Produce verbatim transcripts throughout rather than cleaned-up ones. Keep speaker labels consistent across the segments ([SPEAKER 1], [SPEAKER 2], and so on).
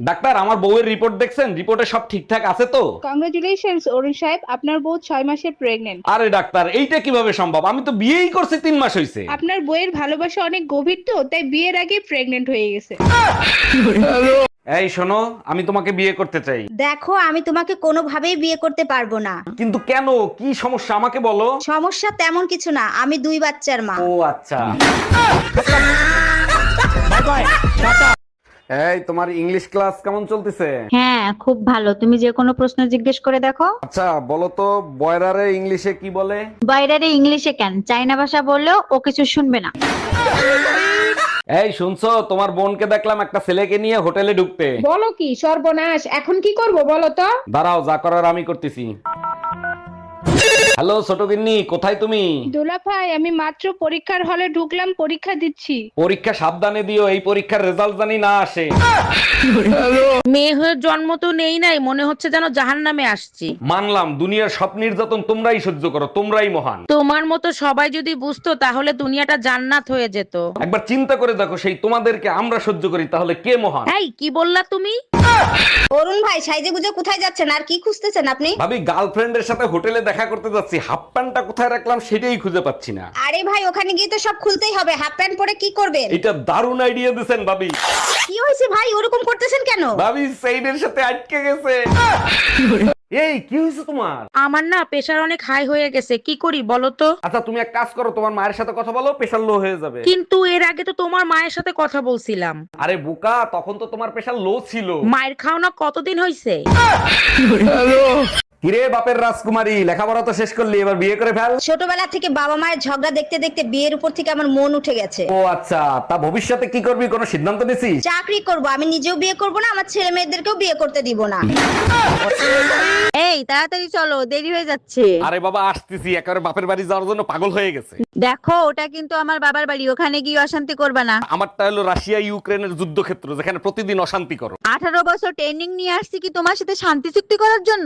[SPEAKER 1] Doctor, আমার বউয়ের report দেখছেন? রিপোর্টে সব ঠিকঠাক আছে তো?
[SPEAKER 2] কংগ্রেচুলেশনস অরুণ সাহেব, আপনার বউ ছয় মাসের প্রেগনেন্ট।
[SPEAKER 1] আরে ডাক্তার, এইটা কিভাবে সম্ভব? আমি তো বিয়েই করছি তিন মাস হয়েছে।
[SPEAKER 2] আপনার বইয়ের ভালোবাসা অনেক গভীর, তো তাই বিয়ের আগে প্রেগনেন্ট হয়ে গেছে।
[SPEAKER 1] এই শোনো, আমি তোমাকে বিয়ে করতে চাই।
[SPEAKER 3] দেখো, আমি তোমাকে কোনোভাবেই বিয়ে করতে পারবো না।
[SPEAKER 1] কিন্তু কেন, কি সমস্যা আমাকে বলো।
[SPEAKER 3] সমস্যা তেমন কিছু না, আমি দুই বাচ্চার মা।
[SPEAKER 1] ও আচ্ছা। এই, তোমার ইংলিশ ক্লাস কেমন চলতেছে?
[SPEAKER 4] হ্যাঁ, খুব ভালো। তুমি যে কোনো প্রশ্ন জিজ্ঞেস করে দেখো।
[SPEAKER 1] আচ্ছা বলো তো, বয়রারে ইংলিশে কি বলে?
[SPEAKER 4] বাইরে ইংলিশে কেন, চাইনা ভাষা বললেও ও কিছু শুনবে না।
[SPEAKER 1] এই শুনছো, তোমার বোনকে দেখলাম একটা ছেলেকে নিয়ে হোটেলে ঢুকতে।
[SPEAKER 2] বলো কি সর্বনাশ, এখন কি করব বলো তো?
[SPEAKER 1] দাঁড়াও, যা করার আমি করতেছি। হ্যালো ছোট গিন্নি, কোথায় তুমি?
[SPEAKER 2] দোলা ভাই, আমি মাত্র পরীক্ষার হলে ঢুকলাম, পরীক্ষা দিচ্ছি।
[SPEAKER 1] পরীক্ষা সাবধানে দিও, এই পরীক্ষার রেজাল্ট জানি না আসে।
[SPEAKER 5] মেয়ে হয়ে জন্ম তো নেই নাই, মনে হচ্ছে যেন জাহান্নামে আসছি।
[SPEAKER 1] মানলাম, দুনিয়ার সব নির্যাতন তোমরাই সহ্য করো, তোমরাই মহান।
[SPEAKER 5] তোমার মতো সবাই যদি বুঝতো তাহলে দুনিয়াটা জান্নাত হয়ে যেত।
[SPEAKER 1] একবার চিন্তা করে দেখো, সেই তোমাদেরকে আমরা সহ্য করি, তাহলে কে মহান?
[SPEAKER 5] এই কি বললা তুমি?
[SPEAKER 3] অরুণ ভাই, সাইজে গুজে কোথায় যাচ্ছেন আর কি খুঁজতেছেন আপনি?
[SPEAKER 1] ভাবি, গার্লফ্রেন্ডের সাথে হোটেলে দেখা করতে যাচ্ছি, হাফ প্যান্টটা কোথায় রাখলাম সেটাই খুঁজে পাচ্ছি না।
[SPEAKER 3] আরে ভাই, ওখানে গিয়ে তো সব খুলতেই হবে, হাফ প্যান্ট পরে কি করবেন?
[SPEAKER 1] এটা দারুণ আইডিয়া দিছেন ভাবি।
[SPEAKER 3] কি হয়েছে ভাই, ওরকম করতেছেন কেন?
[SPEAKER 1] ভাবি সেইডের সাথে আটকে গেছে। এই কি হয়েছে তোমার?
[SPEAKER 5] আমার না প্রেশার অনেক হাই হয়ে গেছে, কি করি বলো তো?
[SPEAKER 1] আচ্ছা তুমি এক কাজ করো, তোমার মায়ের সাথে কথা বলো, প্রেশার লো হয়ে যাবে।
[SPEAKER 5] কিন্তু এর আগে তো তোমার মায়ের সাথে কথা বলছিলাম।
[SPEAKER 1] আরে বোকা, তখন তো তোমার প্রেশার লো ছিল।
[SPEAKER 5] মায়ের খাওনা কতদিন হয়েছে?
[SPEAKER 1] কিরে বাপের রাজকুমারী, লেখাপড়া তো শেষ করলি, এবার বিয়ে করে ফেল।
[SPEAKER 3] ছোটবেলা থেকে বাবা মায়ের ঝগড়া দেখতে দেখতে বিয়ের উপর থেকে আমার মন উঠে গেছে।
[SPEAKER 1] ও আচ্ছা, তা ভবিষ্যতে কি করবি, কোনো সিদ্ধান্ত নিছিস?
[SPEAKER 3] চাকরি করব, আমি নিজেও বিয়ে করব না, আমার ছেলে মেয়েদেরকেও বিয়ে করতে দিব না।
[SPEAKER 4] এই তাড়াতাড়ি চলো, দেরি হয়ে যাচ্ছে।
[SPEAKER 1] আরে বাবা আসতেছি, একেবারে বাপের বাড়ি যাওয়ার জন্য পাগল হয়ে গেছে।
[SPEAKER 4] দেখো, ওটা কিন্তু আমার বাবার বাড়ি, ওখানে গিয়ে অশান্তি করবে না।
[SPEAKER 1] আমারটা হলো রাশিয়া ইউক্রেনের যুদ্ধক্ষেত্র, যেখানে প্রতিদিন অশান্তি করো।
[SPEAKER 4] আঠারো বছর ট্রেনিং নিয়ে আসছি কি তোমার সাথে শান্তি চুক্তি করার জন্য?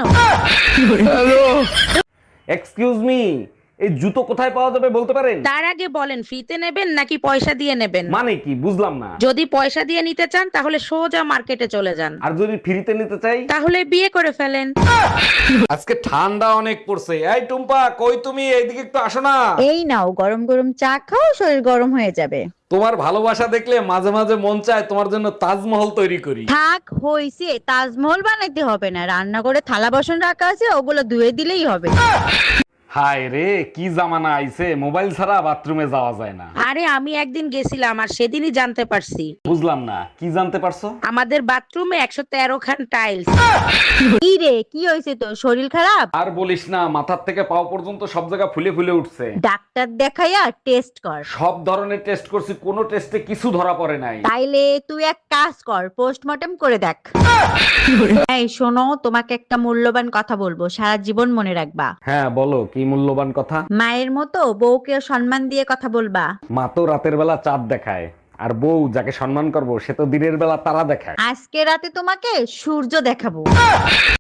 [SPEAKER 1] এক্সকিউজ মি, এই জুতো কোথায় পাওয়া যাবে বলতে পারেন?
[SPEAKER 5] তার আগে বলেন, ফ্রিতে নেবেন নাকি পয়সা দিয়ে নেবেন?
[SPEAKER 1] মানে কি বুঝলাম না।
[SPEAKER 5] যদি পয়সা দিয়ে নিতে চান তাহলে সোজা মার্কেটে চলে যান,
[SPEAKER 1] আর যদি ফ্রিতে নিতে চাই?
[SPEAKER 5] তাহলে বিয়ে করে ফেলেন।
[SPEAKER 1] আজকে ঠান্ডা অনেক পড়ছে। এই টুম্পা, কই তুমি? এইদিকে একটু আসো না।
[SPEAKER 4] এই নাও, গরম গরম চা খাও, শরীর গরম হয়ে যাবে।
[SPEAKER 1] তোমার ভালোবাসা দেখলে মাঝে মাঝে মন চায় তোমার জন্য তাজমহল তৈরি করি।
[SPEAKER 4] থাক হইছে, তাজমহল বানাইতে হবে না, রান্না করে থালা বাসন রাখা আছে, ওগুলো ধুয়ে দিলেই হবে।
[SPEAKER 1] হায় রে, কি জামানা আইছে, মোবাইল ছাড়া বাথরুমে যাওয়া যায় না।
[SPEAKER 5] আরে আমি একদিন গেছিলাম আর সেদিনই জানতে পারছি
[SPEAKER 1] বুঝলাম না, কি জানতে পারছো?
[SPEAKER 5] আমাদের বাথরুমে একশো তেরো খান টাইলস।
[SPEAKER 4] কি রে, কি হয়েছে তোর, শরীর খারাপ?
[SPEAKER 1] আর বলিস না, মাথার থেকে পাও পর্যন্ত সব জায়গা ফুলে ফুলে উঠছে।
[SPEAKER 4] ডাক্তার দেখাইয়া টেস্ট কর।
[SPEAKER 1] সব ধরনের টেস্ট করছি, কোনো টেস্টে কিছু ধরা পড়ে নাই।
[SPEAKER 4] তাইলে তুই এক কাজ কর, পোস্টমর্টম করে দেখ। এই শোনো, তোমাকে একটা মূল্যবান কথা বলবো, সারা জীবন মনে রাখবা।
[SPEAKER 1] হ্যাঁ বলো, কি মূল্যবান কথা?
[SPEAKER 4] মায়ের মতো বউকেও সম্মান দিয়ে কথা বলবা।
[SPEAKER 1] মা তো রাতের বেলা চাঁদ দেখায়, আর বউ যাকে সম্মান করবো সে তো দিনের বেলা তারা দেখায়।
[SPEAKER 4] আজকে রাতে তোমাকে সূর্য দেখাবো।